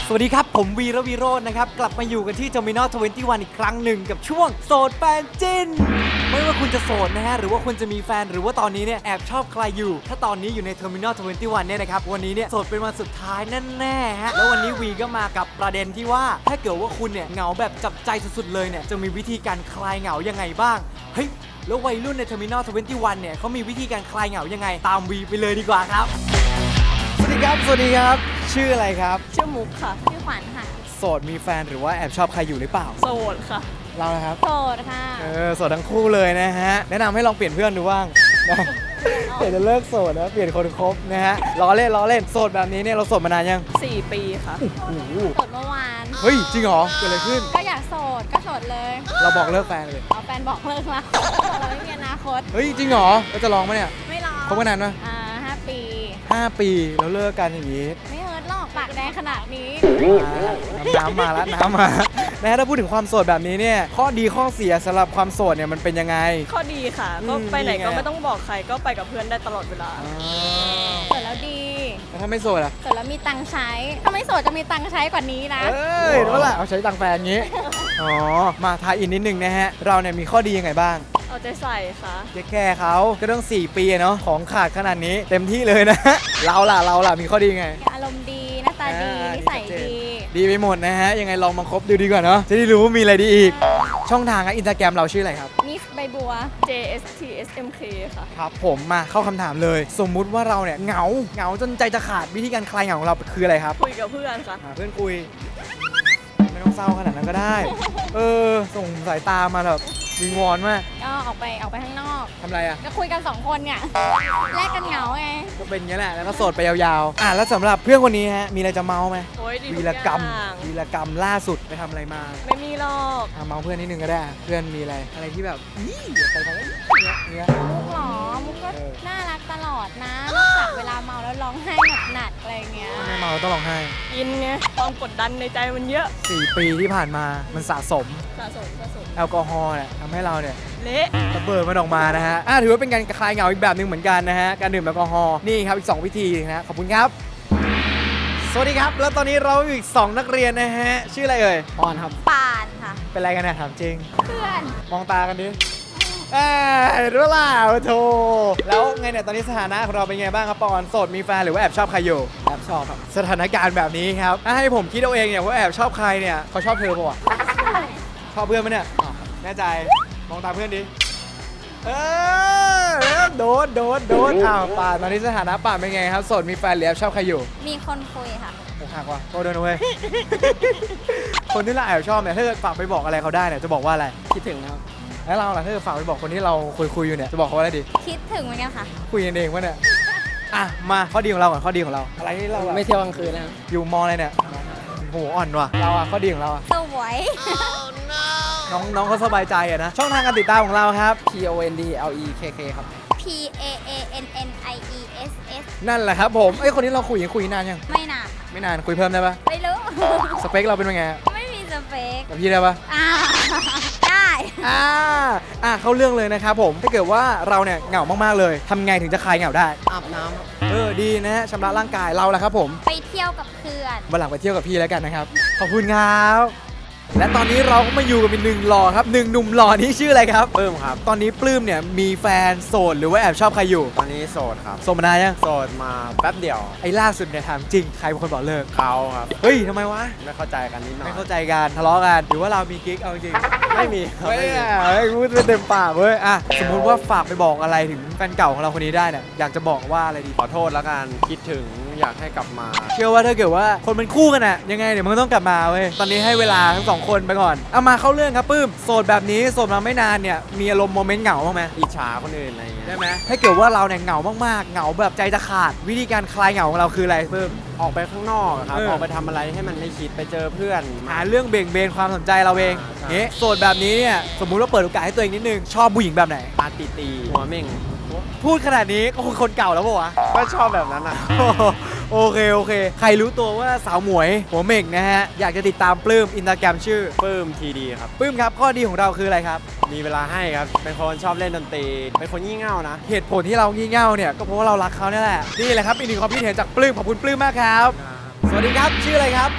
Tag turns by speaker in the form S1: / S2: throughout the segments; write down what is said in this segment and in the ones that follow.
S1: สวัสดีครับผมวีระวีโรจน์นะครับกลับมาอยู่กันที่ Terminal 21 อีกครั้งหนึ่งกับช่วงโสดแฟนจิ้นไม่ว่าคุณจะโสดนะฮะหรือว่าคุณจะมีแฟนหรือว่าตอนนี้เนี่ยแอบชอบใครอยู่ถ้าตอนนี้อยู่ใน Terminal 21 เนี่ยนะครับวันนี้เนี่ยโสดเป็นวันสุดท้ายแน่ๆฮะแล้ววันนี้วีก็มากับประเด็นที่ว่าถ้าเกิดว่าคุณเนี่ยเหงาแบบจับใจสุดๆเลยเนี่ยจะมีวิธีการคลายเหงายังไงบ้างเฮ้ยแล้ววัยรุ่นใน Terminal 21 เนี่ยเขามีวิธีการคลายเหงายังไงตามวีไปเลยดีกว่าครับสวัสดีครับสวัสดีครับชื่ออะไรครับ
S2: ชื่อมุกค่ะชื่อขวัญค่ะ
S1: โสดมีแฟนหรือว่าแอบชอบใครอยู่หรือเปล่า
S2: โสดค่ะ
S1: เรานะครับ
S2: โสดค่ะ
S1: โสดทั้งคู่เลยนะฮะแนะนำให้ลองเปลี่ยนเพื่อนดูบ้างเดี๋ยวจะเลิกโสดนะเปลี่ยนคนคบนะฮะล้อเล่นโสดแบบนี้เนี่ยเราโสดมานานยัง
S2: 4 ปีค่ะ
S1: โอ้โห
S2: โสดเมื่อวาน
S1: เฮ้ยจริงเหรอเกิดอะไรขึ้น
S2: ก็อยากโสดก็โสดเลย
S1: เราบอกเลิกแฟนเลย
S2: เอาแฟนบอกเลิกแล้วเราไม่มีอนาคต
S1: เฮ้ยจริงเหรอเราจะลองไหมเนี่ย
S2: ไม่ลอง
S1: คบกันนานไหม
S2: 5 ปี
S1: 5 ปีแล้วเลิกกันอย่างนี้
S2: ไม่เฮิร์ตหรอกปากแดงขนาดนี้
S1: น้ำมาแล้วน้ำมานะถ้าพูดถึงความโสดแบบนี้เนี่ยข้อดีข้อเสียสำหรับความโสดเนี่ยมันเป็นยังไง
S2: ข้อดีค่ะก็ไปไหนก็ไม่ต้องบอกใครก็ไปกับเพื่อนได้ตลอดเวลาโสดแล้วดี
S1: แล้วถ้าไม่โสดอ่ะ
S2: โสดแล้วมีตังค์ใช้ถ้าไม่โสดจะมีตังค์ใช้กว่านี้นะ
S1: รู้ละเอาใช้ตังค์แฟนงี้อ๋อมาทายอินนิดนึงนะฮะเราเนี่ยมีข้อดียังไงบ้าง
S2: เอาใจใส่ค่ะ
S1: แค่เขาก็ต้อง4 ปีเนาะของขาดขนาดนี้เต็มที่เลยนะเราล่ะมีข้อดีไง
S2: อารมณ์ดีหน้าตาดีนิสัย
S1: ดีไปหมดนะฮะยังไงลองมาคบดูดีกว่าเนาะจะได้รู้ว่ามีอะไรดีอีกช่องทางอินสตาแกรมเราชื่ออะไรครับ
S2: มิสใบบัว JSTSMK ค่ะ
S1: ครับผมมาเข้าคำถามเลยสมมุติว่าเราเนี่ยเหงาจนใจจะขาดวิธีการคลายเหงาของเราคืออะไรครับ
S2: คุยกับเพื่อนค่ะ
S1: เพื่อนคุยไม่ต้องเศร้าขนาดนั้นก็ได้ส่งสายตามาแบบวิงวอนมาก
S2: ก็ออกไปข้างนอก
S1: ทำอะไรอ่ะ
S2: ก็คุยกัน2 คนเนี่ยแลกกันเหงาไง
S1: ก็เป็นอย่างนี้แหละแล้วก็โสดไปยาวๆแล้วสำหรับเพื่อนคนนี้ฮะมีอะไรจะเมาไหมวีรกรรมล่าสุดไปทำอะไรมา
S2: ไม่มีหรอก
S1: เมาเพื่อนนิดนึงก็ได้เพื่อนมีอะไรที่แบบใครทำอะไรเนี่ย
S2: มุกหรอมุกก็น่ารักตลอดนะนอกจากเวลาเมาแล้วร้องไห้หนักอะไรเงี้ย
S1: ไม่เมาต้องร้องไห้
S2: กินไงความกดดันในใจมันเยอะ
S1: 4 ปีที่ผ่านมามันสะสมแอลกอฮอล์เนี่ยทำให้เราเนี่ย
S2: เละ
S1: ระเบิดมันออกมานะฮะถือว่าเป็นการคลายเหงาอีกแบบหนึ่งเหมือนกันนะฮะการดื่มแอลกอฮอล์นี่ครับอีก2 วิธีนะขอบคุณครับสวัสดีครับแล้วตอนนี้เราอยู่อีก2 นักเรียนนะฮะชื่ออะไรเอ่ย
S2: ปอนครับปานค่ะ
S1: เป็นอะไรกันเนี่ยถามจริง
S2: เพื่อน
S1: มองตากันดิรู้ล่ะโธ่แล้วไงเนี่ยตอนนี้สถานะของเราเป็นไงบ้างครับปอนโสดมีแฟนหรือว่าแอบชอบใครอยู่
S2: แอบชอบครับ
S1: สถานการณ์แบบนี้ครับให้ผมคิดเอาเองเนี่ยว่าแอบชอบใครเนี่ยเขาชอบเธอป่ะชอบเพื่อนไหมเนี่ยแน่ใจมองตาเพื่อนดิโดนป่าตอนนี้สถานะป่าเป็นไงครับโสดมีแฟนหรือแอบชอบใครอยู่
S2: มีคนคุยค่ะ
S1: โอ้หักว่ะโทษด้วยนะเว้ยคนที่เราแอบชอบเนี่ยถ้าเกิดฝากไปบอกอะไรเขาได้เนี่ยจะบอกว่าอะไร
S2: คิดถึงครับ
S1: แล้วเราล่ะถ้าเกิดฝากไปบอกคนที่เราคุยอยู่เนี่ยจะบอกเขาว่าอะไรดี
S2: คิดถึงเหมือนกันค่ะ
S1: คุยกันเองวะเนี่ยมาข้อดีของเราก่อนข้อดีของเราอะไรที่เรา
S2: ไม่เที่ยวกลางคืนนะ
S1: อยู่มออะไรเนี่ยโหอ่อนว่ะเราข้อดีของเรา
S2: สวย
S1: น้องเขาสบายใจอะนะช่องทางการติดตามของเราครับ
S2: PONDLEKK ครับ PAANNIESS
S1: นั่นแหละครับผมคนนี้เราคุยนานยัง
S2: ไม่นาน
S1: คุยเพิ่มได้ปะ
S2: ไม่รู้
S1: สเปคเราเป็นยังไง
S2: ไม่มีสเปค
S1: กับพี่ได้ปะ
S2: ได้
S1: เข้าเรื่องเลยนะครับผมถ้าเกิดว่าเราเนี่ยเหงามากๆเลยทำไงถึงจะคลายเหงาได้
S2: อาบน้ำ
S1: ดีนะชำระร่างกายเราแหละครับผม
S2: ไปเที่ยวกับเพื่อน
S1: วันหลังไปเที่ยวกับพี่แล้วกันนะครับขอบคุณครับและตอนนี้เราก็มาอยู่กับ1 หล่อครับ1 หนุ่มหล่อนี่ชื่ออะไรครับ
S3: ปลื้มครับ
S1: ตอนนี้ปลื้มเนี่ยมีแฟนโสดหรือว่าแอบชอบใครอยู่
S3: ตอนนี้โสดครับ
S1: โสดมานานยัง
S3: โสดมาแป๊บเดียว
S1: ไอ้ล่าสุดเนี่ยถามจริงใครเป็นคนบอกเลิก
S3: เขาครับ
S1: เฮ้ยทำไมวะ
S3: ไม่เข้าใจกันนิดหน่อย
S1: ไม่เข้าใจกันทะเลาะกันหรือว่าเรามีกิ๊กเอาจริง
S3: ไม่มี
S1: ไม่พูดเต็มปากเว้ยสมมุติว่าฝากไปบอกอะไรถึงแฟนเก่าของเราคนนี้ได้เนี่ยอยากจะบอกว่าอะไรดี
S3: ขอโทษแล้วกันคิดถึงอยากให้กลับมา
S1: เชื่อว่าถ้าเกิดว่าคนเป็นคู่กันอะยังไงเดี๋ยวมันก็ต้องกลับมาเว้ยตอนนี้ให้เวลาทั้ง2 คนไปก่อนมาเข้าเรื่องครับปื้มโสดแบบนี้โสดมาไม่นานเนี่ยมีอารมณ์โมเมนต์เหงาบ้างไหม
S3: อิจฉาคนอื่นอะไรอย่างเงี้ย
S1: ได้ไหมถ้าเกิดว่าเราเนี่ยเหงามากๆเหงาแบบใจจะขาดวิธีการคลายเหงาของเราคืออะไรปื้ม
S3: ออกไปข้างนอกครับออกไปทำอะไรให้มันไม่คิดไปเจอเพื่อน
S1: หาเรื่องเบี่ยงเบนความสนใจเราเองนี่โสดแบบนี้เนี่ยสมมุติว่าเปิดโอกาสให้ตัวเองนิดนึงชอบผู้หญิงแบบไหน
S3: ตีหัวเม่ง
S1: พูดขนาดนี้ก็คนเก่าแล้วป่ะวะ
S3: ก็ชอบแบบนั้นอ่ะ
S1: โอเคใครรู้ตัวว่าสาวหมวยหัวเม่งนะฮะอยากจะติดตามปลื้มอินสตาแกรมชื่อ
S3: ปลื้มทีดีครับ
S1: ปลื้มครับข้อดีของเราคืออะไรครับ
S3: มีเวลาให้ครับเป็นคนชอบเล่นดนตรีเป็นคนงี่เง่านะ
S1: เหตุผลที่เรางี่เง่าเนี่ยก็เพราะว่าเรารักเขาเนี่ยแหละนี่แหละครับอีกหนึ่งความคิดเห็นจากปลื้มขอบคุณปลื้มมากครับสวัสดีครับชื่ออะไรครับ
S2: กิ๊บค่ะ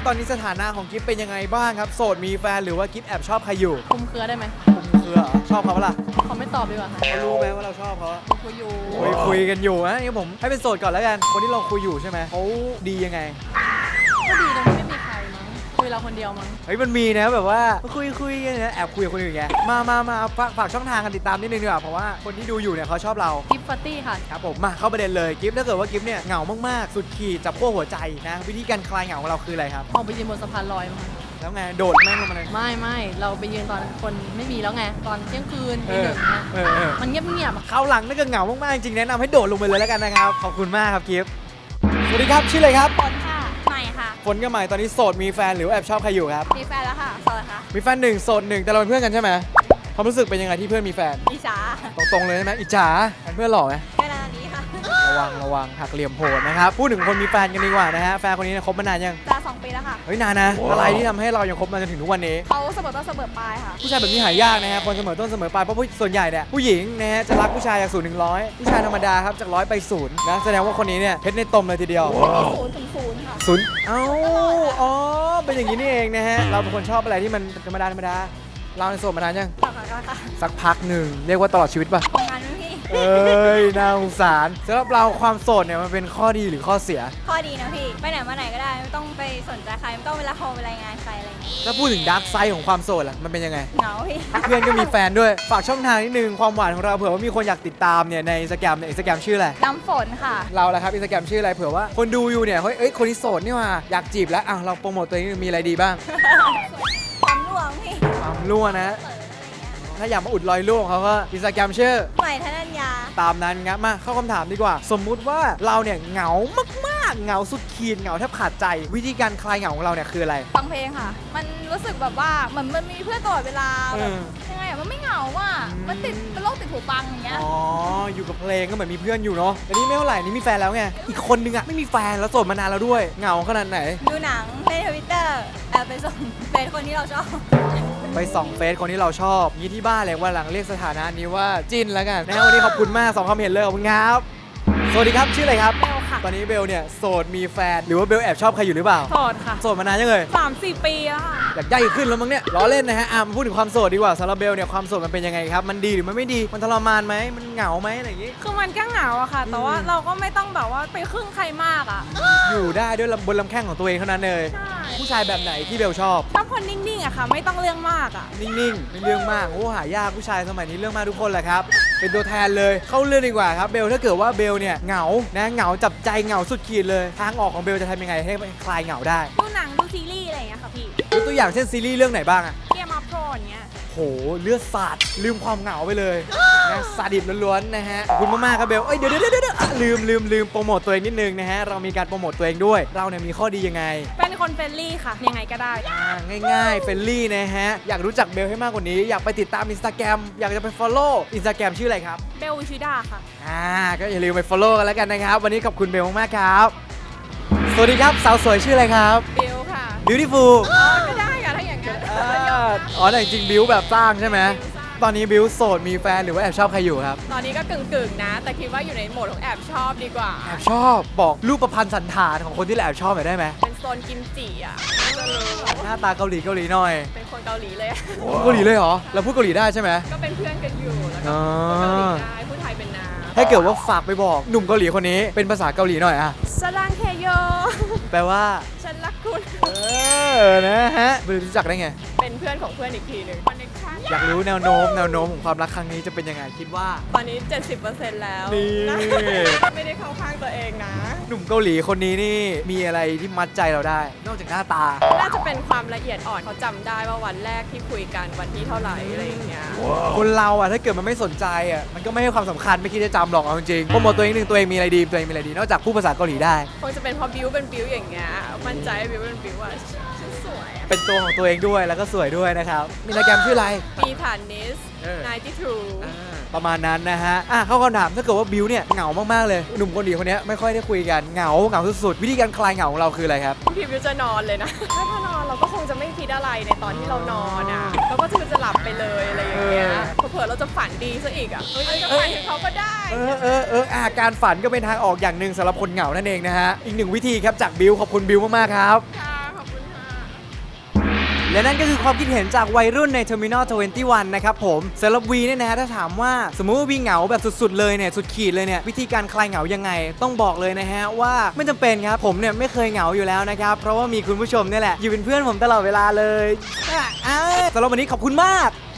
S1: ตอนนี้สถานะของกิฟเป็นยังไงบ้างครับโสดมีแฟนหรือว่ากิฟแอบชอบใครอยู่
S2: คุมเครือได้ไหม
S1: คือเหรอชอบเขาปะล่ะ
S2: เขาไม่ตอบดีกว่าค่ะ
S1: เขารู้ไหมว่าเราชอบเขา
S2: คุยอยู่
S1: คุยกันอยู่นะนี่ผมให้เป็นโสดก่อนแล้วกันคนที่เราคุยอยู่ใช่ไหมเขาดียังไง
S2: ก็ดีตรงที่ไม่มีใครมั้งคุยเราคนเดียวมั้ง
S1: เฮ้ยมันมีนะแบบว่าคุยกันนะแอบคุยกับคนอื่นไงมาฝากช่องทางกันติดตามนิดนึงดีกว่าเพราะว่าคนที่ดูอยู่เนี่ยเขาชอบเรา
S2: กิฟต์ปาร์ตี้ค่ะ
S1: ครับผมมาเข้าประเด็นเลยกิฟถ้าเกิดว่ากิฟเนี่ยเหงามากๆสุดขีดจับขั้วหัวใจนะวิธีการคลายเหงาของเราคืออะไรครับ
S2: ออกไปยืนบนสะพานลอยมั้งคะ
S1: แล้วไงโดดแม่งลงมาเลย
S2: ไม่เราไปยืนตอนคนไม่มีแล้วไงตอนเที่ยงคืน
S1: เอ
S2: ตี
S1: อ
S2: หนึ่งเนี่ย
S1: เออ
S2: มันเงียบๆอะ
S1: เข้าหลังถ้าเกิดเหงามากๆจริงๆแนะนำให้โดดลงไปเลยแล้วกันนะครับขอบคุณมากครับกิฟสวัสดีครับชื่ออะไรครับ
S2: ฝนค่ะใหม่ค่ะ
S1: ฝนกับใหม่ตอนนี้โสดมีแฟนหรือว่าแอบชอบใครอยู่ครับ
S2: มีแฟนแล้วค่ะโสดค่ะ
S1: มีแฟนหนึ่งโสดหนึ่งแต่เราเป็นเพื่อนกันใช่ไหมความรู้สึกเป็นยังไงที่เพื่อนมีแฟน
S2: อิจฉา
S1: ตรงๆเลยใช่ไหมอิจฉาแฟนเพื่อนหล่อไหม
S2: ขนาดนี้ค่ะ
S1: ระวังหักเหลี่ยมโหดนะครับพูดถึงคนมีแฟนกันดีกว่านะฮะแฟนคนนี้เนี่ยคบมานานยัง
S2: จะ2 ปีแล้วค่ะ
S1: เฮ้ยนานนะอะไรที่ทำให้เรายังคบมาจนถึงทุกวันนี้
S2: เขาเสมอต้นเสมอปลายค่ะ
S1: ผู้ชายแบบนี้หายากนะฮะคนเสมอต้นเสมอปลายเพราะส่วนใหญ่เนี่ยผู้หญิงนะฮะจะรักผู้ชายจาก0 ถึง 100ผู้ชายธรรมดาครับจาก100ไป0นะแสดงว่าคนนี้เนี่ยเพชรในตมเลยทีเดียว
S2: 0 ถึง 0 ค่ะ
S1: 0เอ้าอ๋อเป็นอย่างนี้นี่เองนะฮะเราเป็นคนชอบอะไรที่มันธรรมดาเราในโสดมานานยัง
S2: ต่อกันค่ะ
S1: สักพักหนึ่งเรียกว่าตลอดชีวิตป่ะ
S2: ทำงานไหมพี่
S1: เอ้ยน่าสงสารสำหรับเราความโสดเนี่ยมันเป็นข้อดีหรือข้อเสีย
S4: ข้อดีนะพี่ ไปไหนมาไหนก็ได้ ไม่ต้องไปสนใจใคร ไม่ต้องเวลาโทรไปรายงานใครอะไรอย่างเงี้ย
S1: ถ้าพูดถึงดาร์กไซด์ของความโสดล่ะมันเป็นยังไง
S4: เหงาพี่
S1: เพื่อนก็มีแฟนด้วยฝากช่องทางนิดนึงความหวานของเราเผื่อว่ามีคนอยากติดตามเนี่ยในอินสตาแกรมชื่ออะไร
S4: น้ำฝนค่ะ
S1: เราแหละครับอินสตาแกรมชื่ออะไรเผื่อว่าคนดูอยู่เนี่ยเฮ้ยคนนี้โสดนี่หว่าอยากจีบแล้วเราโปรโมทตัวเองมีอะไรดีบ้าง
S4: ความร่วงพี่
S1: ความรั่วนะ ถ้าอยากมาอุดรอยรั่วของเขาก็อินสตาแกรมชื่อ
S4: ใหม่ธนัญญา
S1: ตามนั้นครับมาเข้าคำถามดีกว่า สมมุติว่าเราเนี่ยเหงามากๆเหงาสุดขีดเหงาแทบขาดใจ วิธีการคลายเหงาของเราเนี่ยคืออะไร
S2: ฟังเพลงค่ะ มันรู้สึกแบบว่าเหมือนมันมีเพื่อนตลอดเวลา
S1: เอ
S2: แบบ
S1: อ
S2: ยังไงอะมันไม่เหงาอ่ะ มันติดเป็นโรคติดหูฟังอย่างเงี้ย
S1: อ๋ออยู่กับเพลงก็เหมือนมีเพื่อนอยู่เนาะแต่นี่ไม่เท่าไหร่นี่มีแฟนแล้วไงอีกคนนึงอะไม่มีแฟนแล้วโสดมานานแล้วด้วยเหงาขนาดไหน
S4: ดูหนังเล่นทวิตเตอร์แอบไปส่งเป็นคนที่เราชอบ
S1: ไปส่องเฟซคนที่เราชอบยี่ที่บ้านเลยว่าหลังเรียกสถานะนี้ว่าจิ้นแล้วกันนะวันนี้ขอบคุณมาก2ความเห็นเลยขอบคุณครับสวัสดีครับชื่ออะไรครับ
S2: เบลค่ะ
S1: ตอนนี้เบลเนี่ยโสดมีแฟนหรือว่าเบลแอบชอบใครอยู่หรือเปล่า
S2: โสดค่ะ
S1: โสดมานานยังเลย
S2: 3-4 ปีแล้วค่ะ
S1: อยากได้ขึ้นแล้วมั้งเนี่ยล้อเล่นนะฮะมาพูดถึงความโสดดีกว่าสำหรับเบลเนี่ยความโสดมันเป็นยังไงครับมันดีหรือมันไม่ดีมันทรมานไหมมันเหงาไหมอะไรอย่างงี้
S2: คือมันก็เหงาอะค่ะ แต่ว่าเราก็ไม่ต้องแบบว่าไปครึ่งใครมากอะ
S1: อยู่ได้ด้วยบนลำแข้งของตัวเองเท่านั้นเลย
S2: ใช่
S1: ผู้ชายแบบไหนที่เบลชอบ
S2: ชอบคนนิ่งๆอะค่ะ ไม่ต้องเรื่องมากอะ
S1: นิ่งๆไม่เรื่องมากโอ้หายากผู้ชายสมัยนี้เรื่องมากทุกคนแหละครับเป็นตัวแทนเลยเข้าเรื่องดีกว่าครับเบลถ้าเกิดว่าเบลเนี่ยเหงานะเหงาจับใจเหงาสุดขีดเลยทางออกของเบลจะทำยังไงให้คลายเหงาได้
S2: ดูหนังดูซีรีส์อะไรอย่างเงี้ยค่ะพี่
S1: ยกตัวอย่างเช่นซีรีส์เรื่องไหนบ้างอะ
S2: เกมอัพโทรอย่างเงี้ย
S1: โหเลือดสาดลืมความเหงาไปเลยนะสาดิบล้วนๆนะฮะขอบคุณมากๆครับเบลเอ้ยเดี๋ยวลืมโปรโมทตัวเองนิดนึงนะฮะเรามีการโปรโมทตัวเองด้วยเราเนี่ยมีข้อดียังไง
S2: เป็นคนเฟรนลี่ค่ะ ยังไงก็ได้
S1: ง่ายๆเฟรนลี่นะฮะอยากรู้จักเบลให้มากกว่านี้อยากไปติดตามอินสตาแกรมอยากจะไป follow อินสตาแกรมชื่ออะไรครับ
S2: เบลวิชิดาค่ะ
S1: ก็อย่าลืมไป follow กันแล้วกันนะครับวันนี้ขอบคุณเบลมากๆครับสวัสดีครับสาวสวยชื่ออะไรครับ
S2: เบลค่ะ
S1: beautiful
S2: ก็ได้ค่ะถ้าอย่างนั้น
S1: อ๋อแต่จริงๆบิวแบบสร้างใช่ไหมตอนนี้บิวโสดมีแฟนหรือว่าแอบชอบใครอยู่ครับ
S5: ตอนนี้ก็กึ่งๆนะ แต่คิดว่าอยู่ในโหมดของแอบชอบดีกว่า
S1: แอบชอบบอกรูปประพันธ์สันฐานของคนที่แอบชอบหน่อยได้ไหม
S5: เป็นโซนกิมจิอ่ะจะรู้
S1: หน้าตาเกาหลีหน่อย
S5: เป็นคนเกาหลีเลยอะ
S1: เกาหลีเลยเหรอเราพูดเกาหลีได้ใช่ไหม
S5: ก็เป็นเพื่อนกันอยู่ แล้วก็
S1: อ๋อ
S5: พูดเกาหลีได้พูดไทยเป็นนา
S1: ถ้าเกิดว่าฝากไปบอกหนุ่มเกาหลีคนนี้เป็นภาษาเกาหลีหน่อยอะ
S5: สรังเคโย
S1: แปลว่า
S5: ฉันรักคุณ
S1: นะฮะบิวรู้จักได้ไง
S5: เป็นเพื่อนของเพื่อนอีกทีหนึ่งคอนเนคชั่น
S1: อยากรู้แนวโน้มของความรักครั้งนี้จะเป็นยังไงคิดว่า
S5: ตอนนี้ 70%แล้ว
S1: นี่
S5: นะไม่ได้เข้าข้างตัวเองนะ
S1: หนุ่มเกาหลีคนนี้นี่มีอะไรที่มัดใจเราได้ นอกจากหน้าตา
S5: น่าจะเป็นความละเอียดอ่อนเขาจำได้ว่าวันแรกที่คุยกันวันที่เท่าไหร่อะไรอย่างเงี้ย
S1: คนเราอะถ้าเกิดมันไม่สนใจอะมันก็ไม่ให้ความสำคัญไม่คิดจะจำหรอกเอาจริงๆโปรโมทตัวเองหนึ่งตัวเองมีอะไรดีตัวเองมีอะไรดีนอกจากพูดภาษาเกาหลีได้
S5: คงจะเป็นเพราะบิวเป็นบิวอย่างเงี้ยมั่นใจบิวเป็นบิวว่าฉันสวยอะ
S1: เป็นตัวของตัวเองด้วยแล้วก็สวยด้วยนะครับมีโปรแกรมชื่ออะไร
S5: มีฐานนิส
S1: เออ
S5: 92
S1: ประมาณนั้นนะฮะเข้าคำถามถ้าเกิดว่าบิวเนี่ยเหงามากๆเลยหนุ่มคนดีคนนี้ไม่ค่อยได้คุยกันเหงาสุดๆวิธีการคลายเหงาของเราคืออะไรครับ
S5: บางทีบิวจะนอนเลยนะ ถ้านอนเราก็คงจะไม่คิดอะไรในตอนที่เรานอนอ่ะเราก็จะหลับไปเลยอะไรอย่างเงี้ยเผื่อๆเราจะฝันดีซะอีกอ่ะอาจจะฝันถึงเขาก็ได้
S1: การฝันก็เป็นทางออกอย่างหนึ่งสำหรับคนเหงานั่นเองนะฮะอีกหนึ่งวิธีครับจากบิวขอบคุณบิวมากๆครับ
S5: ค่ะขอบคุณค่ะ
S1: และนั่นก็คือความคิดเห็นจากวัยรุ่นใน Terminal 21 นะครับผมสำหรับวีเนี่ยนะฮะถ้าถามว่าสมมุติว่าวีเหงาแบบสุดๆเลยเนี่ยสุดขีดเลยเนี่ยวิธีการคลายเหงายังไงต้องบอกเลยนะฮะว่าไม่จำเป็นครับผมเนี่ยไม่เคยเหงาอยู่แล้วนะครับเพราะว่ามีคุณผู้ชมเนี่ยแหละอยู่เป็นเพื่อนผมตลอดเวลาเลยสำหรับวันนี้ขอบคุณมาก